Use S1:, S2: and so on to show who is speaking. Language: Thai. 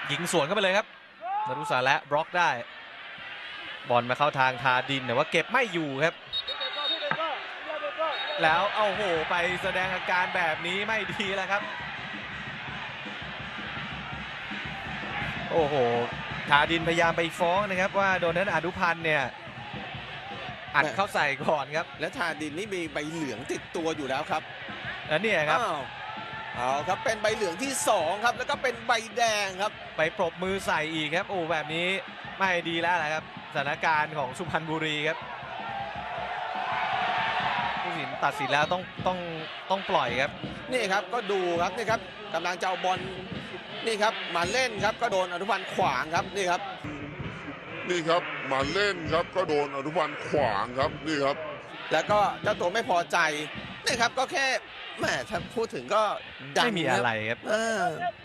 S1: ยิงสวนเข้าไปเลยครับนรุสาและบล็อกได้บอลมาเข้าทางทาดินแต่ว่าเก็บไม่อยู่ครับแล้วเอาโหไปแสดงอาการแบบนี้ไม่ดีแล้วครับโอ้โหทาดินพยายามไปฟ้องนะครับว่าโดนนั้นอนุพันธ์เนี่ยอัดเข้าใส่ก่อนครับ
S2: และทาดินนี่มีใบเหลืองติดตัวอยู่แล้วครับ
S1: แล้วเนี่ยครับ
S2: เอาครับเป็นใบเหลืองที่2ครับแล้วก็เป็นใบแดงครับ
S1: ไปปรบมือใส่อีกครับโอ้แบบนี้ไม่ดีแล้วนะครับสถานการณ์ของสุพรรณบุรีครับผู้ตัดสินตัดสินแล้วต้องปล่อยครับ
S2: นี่ครับก็ดูครับนี่ครับกำลังจะเอาบอลนี่ครับมาเล่นครับก็โดนอนุพันธ์ขวางครับนี่ครับ
S3: มาเล่นครับก็โดนอนุพันธ์ขวางครับนี่ครับ
S2: แล้วก็เจ้าตัวไม่พอใจนี่ครับก็แค่แหมถ้าพูดถึงก็
S1: ไม่มีอะไรครับ